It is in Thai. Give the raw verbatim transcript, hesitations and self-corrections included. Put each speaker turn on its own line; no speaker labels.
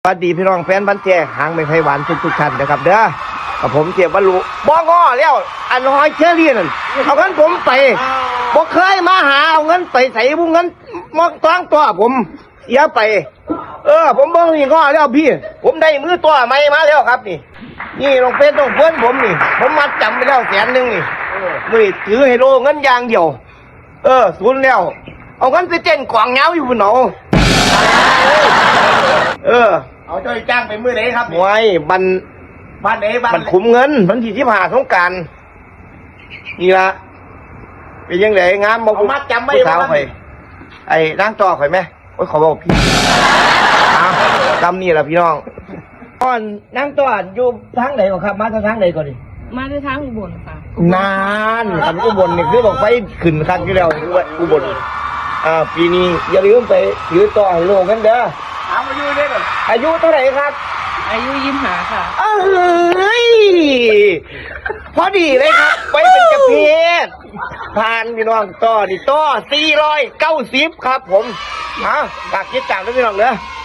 สวัสดีพี่น้องแฟนบันแจหางไม่ไผ่หวานทุกทุกท่านนะครับเด้อกับผมเจ็บบรรลุบ้องอแล้วอันหอยเชอรี่นั่นเอาเงินผมไปบอกเคยมาหาเอาเงินไปใส่บุ้งเงินมองตั้งตัวผมเสียไปเออผมบ้องนี่งอแล้วพี่ผมได้มือตัวใหม่มาแล้วครับนี่นี่ลงเป็นต้องเพื่อนผมนี่ผมมัดจำไปแล้วแสนหนึ่งนี่มือถือให้โลเงินยางเดียวเออศูนย์แล้วเอาเงินไปเต้นกวางเงาอยู่บนหนอเออ
เอาเจ้าจ้างไปมือไหนครับ
มวยบัน
บ้านไหนบ้าน
มันคุมเงินมันที่ที่ผ่าสงการนี่ละเป็นยังไงงามบอก
เอามัดจำไว้
ผู้สาวข่อยไอ้ร่างต่อข่อยไหมโอ้ยขอบอกพี่อ้าวจำนี่แหละพี่น้องก่อนนั่งต่ออยู่ทางไหนก่อนครับมาทางไหนก่อนดิ
มาในทางอุบลค่ะ
นานคันอุบลนี่คือบอกไปขึ้นคันที่แล้วอุบลอ่าปีนี้อย่าลืมไปถือต่อให้โลกกันเด้อ
ถามอายุได้ก่อน
อายุเท่าไหร่ครับ
อายุยิ้มหาค่ะ
เอ้ยพอดีเลยครับไปเป็นเจะเพศผ่านพี่น้องต่อนี่ต่อสี่ร้อยเก้าสิบครับผมอ่ะฝากคิดตามด้วยพี่น้องเด้อ